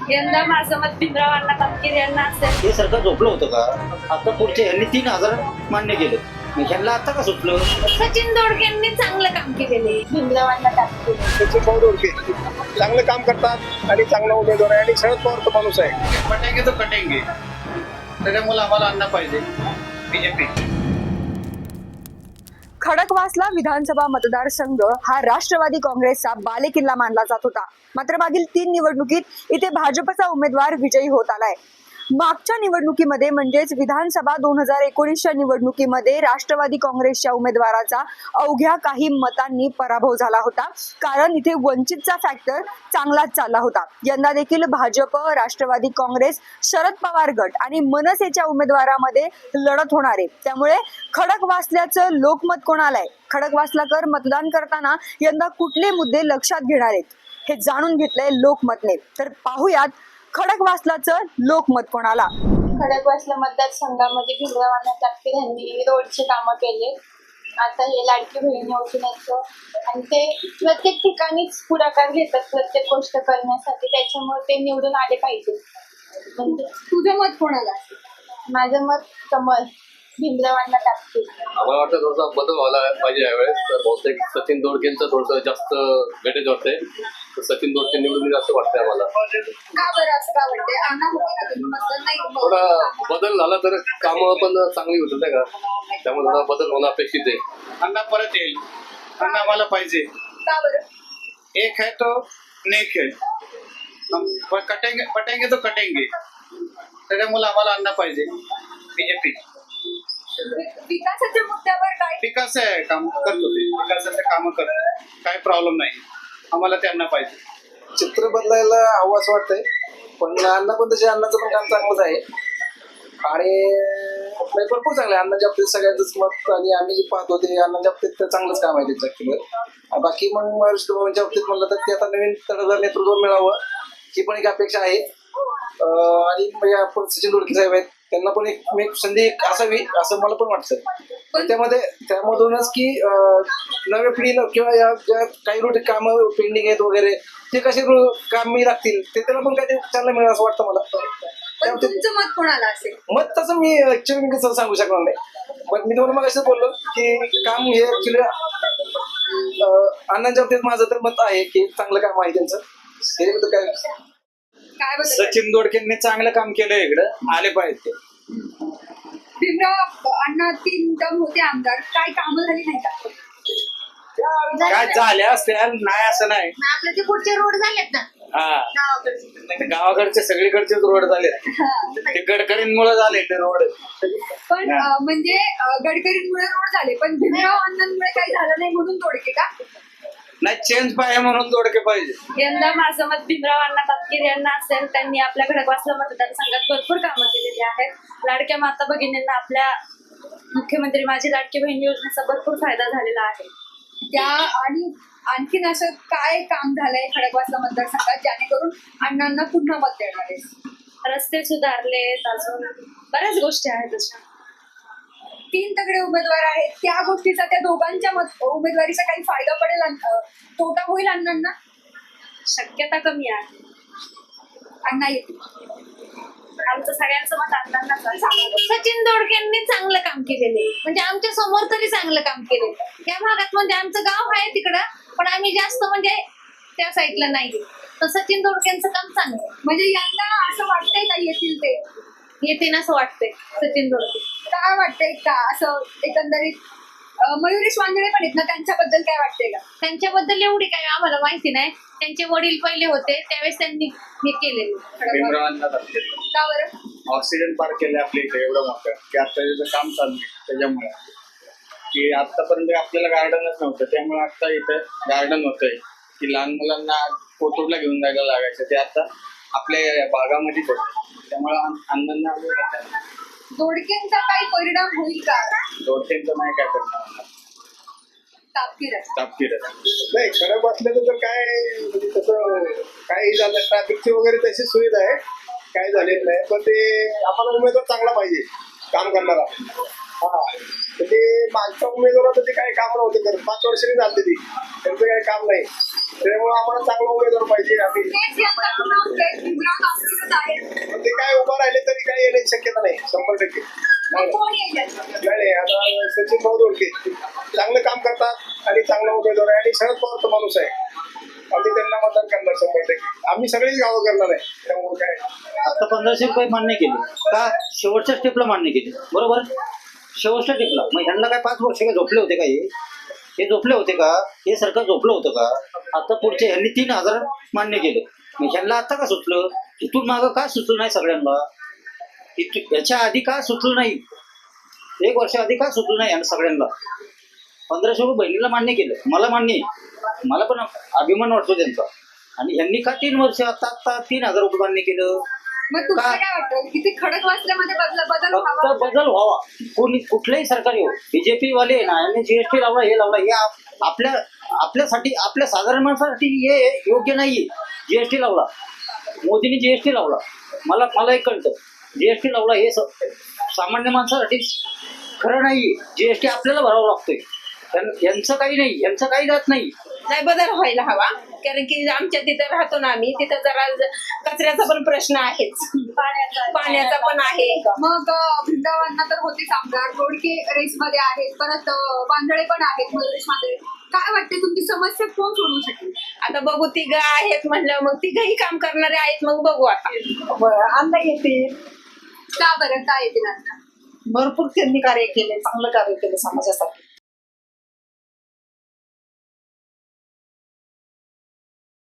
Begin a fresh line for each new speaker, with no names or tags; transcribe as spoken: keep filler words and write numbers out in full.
यंदा माझं मत भीमरावांना तपकीर यांना असेल.
हे सरकार झोपलं होतं का? आता पुढच्या यांनी तीन हजार मान्य केलं, मग ह्यांना आता का सुटलं?
सचिन दोडकेंनी चांगलं काम केलेले. भीमरावांना तपकीर.
सचिन भाऊ दोडके चांगलं काम करतात आणि चांगला उमेदवार आहे आणि शरद पवार तो माणूस आहे.
पटेंगे तो कटेंगे, त्याच्यामुळे आम्हाला आणणं पाहिजे बीजेपी.
खडकवासला विधानसभा मतदारसंघ हा राष्ट्रवादी काँग्रेसचा बालेकिल्ला मानला जात होता. मात्र मागील तीन निवडणुकीत इथे भाजपचा उमेदवार विजयी होत आलाय. मागच्या निवडणुकीमध्ये म्हणजेच विधानसभा दोन हजार एकोणीसच्या निवडणुकीमध्ये राष्ट्रवादी काँग्रेसच्या उमेदवाराचा अवघ्या काही मतांनी पराभव झाला होता, कारण इथे वंचितचा फॅक्टर चांगलाच चालला होता. यंदा देखील भाजप, राष्ट्रवादी काँग्रेस, शरद पवार गट आणि मनसेच्या उमेदवारामध्ये लढत होणार आहे. त्यामुळे खडकवासल्याचं लोकमत कोणाला आहे, खडकवासलाकर मतदान करताना यंदा कुठले मुद्दे लक्षात घेणार आहेत, हे जाणून घेतलंय लोकमतने. तर पाहूयात खडकवासलाचं लोकमत कोणाला.
खडकवासला मतदारसंघामध्ये भीमरावांना तपकीर यांनी रोडचे कामं केले. आता हे लाडकी बहीण योजनेचं आणि ते प्रत्येक ठिकाणीच पुढाकार घेतात प्रत्येक गोष्ट करण्यासाठी, त्याच्यामुळे ते निवडून आले पाहिजे. म्हणजे
तुझं मत कोणाला?
माझं मत कमल, भीमरावांना तपकीर.
आम्हाला वाटतं थोडासा बदल व्हायला पाहिजे यावेळेस. तर बहुतेक सचिन दोडकेंचं थोडंसं जास्त वेटेज वाटतंय, तर सचिन दोडके निवडून असं वाटतंय आम्हाला.
का बरं असं का वाटतंय? अण्णा मतदान नाही
थोडा बदल झाला तर कामं पण चांगली होत नाही का, त्यामुळे थोडा बदल होणं अपेक्षित आहे.
अण्णा परत येईल, अण्णा आम्हाला पाहिजे.
का बरं?
एक है तो नेक है, हम कटेंगे पटेंगे तो कटेंगे, त्याच्यामुळे आम्हाला आणणं पाहिजे बीजेपी.
विकासाच्या मुद्द्यावर काय?
विकास आहे, काम करतो ते, विकासाचे कामं करतो, काही प्रॉब्लेम नाही, आम्हाला त्यांना पाहिजे.
चित्र बदलायला हवं असं वाटतंय, पण अण्णा पण तसे अण्णाचं पण काम चांगलंच आहे आणि म्हणजे भरपूर चांगलं आहे अण्णाच्या बाबतीत. सगळ्यांचंच मत आणि आम्ही जे पाहतो ते अण्णाच्या बाबतीत तर चांगलंच काम आहे त्याच्या. बाकी मग महाराष्ट्र भवनच्या बाबतीत म्हणलं तर ते आता नवीन तडजोड नेतृत्व मिळावं ही पण एक अपेक्षा आहे. आणि म्हणजे आपण सचिन दोडके साहेब आहेत, त्यांना पण एक एक संधी असावी असं मला पण वाटतं. त्यामध्ये त्यामधूनच की नव्या पिढीला किंवा या ज्या काही रोटी कामं पेंडिंग आहेत वगैरे ते कसे कामी लागतील ते त्याला पण काही चांगलं मिळेल असं वाटतं मला.
तुमचं मत कोणाला असेल?
मत तसं मी ऍक्च्युअली मी कसं सांगू शकणार नाही, पण मी तुम्हाला मग असं बोललो की काम हे ऍक्च्युली अण्णांच्या बाबतीत माझं तर मत आहे की चांगलं काम आहे त्यांचं. हे काय
काय बदल?
सचिन दोडकेंनी चांगलं काम केलं, इकडं आले पाहिजे.
भीमराव अण्णा तीन टर्म होते आमदार, काय कामं झाली नाही का?
काय झाले असते नाही असं नाही.
आपले ते पुढचे रोड झालेत ना
हा,
गावाकडचे.
गावाकडचे सगळीकडचेच रोड झाले, ते गडकरींमुळे झाले ते रोड.
पण अं, म्हणजे अं, गडकरींमुळे रोड झाले, पण भीमराव अण्णांमुळे काही झालं नाही म्हणून तोडके का?
नाही, चेंज पाहिजे म्हणून दोडके पाहिजे.
यंदा माझं मत भीमरावांना तपकीर यांना असेल. त्यांनी आपल्या खडकवासला मतदारसंघात भरपूर कामं केलेली आहेत. लाडक्या माता भगिनींना आपल्या मुख्यमंत्री माझी लाडकी बहीण योजनेचा भरपूर फायदा झालेला आहे.
त्या आणि आणखीन असं काय काम झालंय खडकवासला मतदारसंघात जेणेकरून अण्णांना पुन्हा मत देणार आहे?
रस्ते सुधारलेत, अजून बऱ्याच गोष्टी आहेत अशा.
तीन तगडे उमेदवार आहेत, त्या गोष्टीचा त्या दोघांच्या मत उमेदवारीचा काही फायदा पडेल, अं, तोटा होईल अण्णांना?
शक्यता कमी आहे.
अण्णा येतील.
आमचं सगळ्यांचं मत अण्णांनाच आहे. सचिन दोडकेंनी चांगलं काम केलेले, म्हणजे आमच्या समोर तरी चांगलं काम केले. त्या भागात म्हणजे आमचं गाव आहे तिकडं, पण आम्ही जास्त म्हणजे त्या साईडला नाही. तर सचिन दोडकेंचं काम चांगलं,
म्हणजे यंदा असं वाटतंय का येतील ते?
येते असं वाटतंय सचिन दोडके.
काय वाटतंय का असं एकंदरीत? अं, मयुरेश वांजळे पण आहेत ना, त्यांच्याबद्दल काय वाटतंय का?
त्यांच्याबद्दल एवढी काही आम्हाला माहिती नाही. त्यांचे वडील पहिले होते त्यावेळेस त्यांनी हे केलेलं.
भीमरावांना तपकीर.
का बरं?
ऑक्सिजन पार्क केलं आपल्या इथे एवढं मोठं की आता त्याचं काम चालू आहे, त्याच्यामुळे की आतापर्यंत आपल्याला गार्डनच नव्हतं, त्यामुळे आता इथं गार्डन होतंय की लहान मुलांना कोथरूडला घेऊन जायला लागायचं, ते आता आपल्या भागामध्येच होतं. त्यामुळे अण्णांना
दोडकेंचा काही परिणाम होईल का?
दोडकेंचं नाही काय करणार,
तापकीर आहे.
तापकीर
नाही खरं बसल्याचं तर काय म्हणजे तसं काही झालं ट्रॅफिकची वगैरे तशी सुविधा आहे, काय झालेलं नाही. पण ते आम्हाला उमेदवार चांगला पाहिजे काम करणारा. हा म्हणजे मागच्या उमेदवाराचं ते काही काम नव्हते करत, पाच वर्षांनी झाले ती, त्यांचं काही काम नाही, त्यामुळे आम्हाला चांगला उमेदवार पाहिजे. आम्ही
तेच यंदा पुन्हा भीमराव आहेत
पण ते काय उभं राहिले तरी काय येण्याची शक्यता नाही शंभर टक्के नाही
कोण येईल याच्यात?
नाही नाही, आता सचिन भाऊ दोडके चांगलं काम करतात आणि चांगला उमेदवार आहे आणि शरद पवारचा माणूस आहे. आम्ही त्यांना मतदान करणार शंभर टक्के. आम्ही सगळीच गावं करणार आहे त्यामुळे काय
आता पंधराशे रुपये मान्य केले का शेवटच्या स्टेपला मान्य केले बरोबर शेवटच्या स्टेपला मग ह्यांना काय पाच वर्ष काय झोपले होते का हे हे झोपले होते का हे सरकार झोपलं होतं का आता पुढचे ह्यांनी तीन हजार मान्य केले मग ह्यांना आता का सुचलं इथून मागं का सुचलं नाही सगळ्यांना इथून याच्या आधी का सुचलं नाही एक वर्ष आधी का सुचलं नाही यांना सगळ्यांना पंधराशे रुपये बहिणीला मान्य केलं मला मान्य आहे मला पण अभिमान वाटतो त्यांचा आणि यांनी का तीन वर्ष आता आता तीन हजार रुपये मान्य केलं
मग तुम्हाला
का?
काय वाटतं किती खडक वाचल्यामध्ये बदल बदल
फक्त
व्हावा?
बदल व्हावा कोणी कुठलंही सरकार येऊ बीजेपी वाले ना यांनी जीएसटी लावला हे लावला हे आप- आपल्या आपल्यासाठी आपल्या साधारण माणसासाठी हे योग्य नाहीये जीएसटी लावला मोदींनी जीएसटी लावला मला मला एक कळतं जीएसटी लावला हे स- सामान्य माणसासाठी खरं नाहीये जीएसटी आपल्याला भरावा लागतोय त्यां- यांचं काही नाही यांचं काही जात नाही
नाही बदल व्हायला हवा कारण की आमच्या तिथं राहतो ना आम्ही तिथं जरा ज- कचऱ्याचा पण प्रश्न आहेच पाण्याचा पण आहे.
मग अं, वृंदावनला तर होतेच आमदार रोडके रेस मध्ये आहेत परत अं, बांधळे पण आहेत मध्ये काय वाटते तुमची समस्या कोण सोडवू शकेल?
आता बघू तिघ आहेत म्हणलं मग तिघही काम करणारे आहेत मग बघू आता
अण्णा येतील
का बरं काय येतील आता?
भरपूर त्यांनी कार्य केले चांगलं कार्य केलं समाजासाठी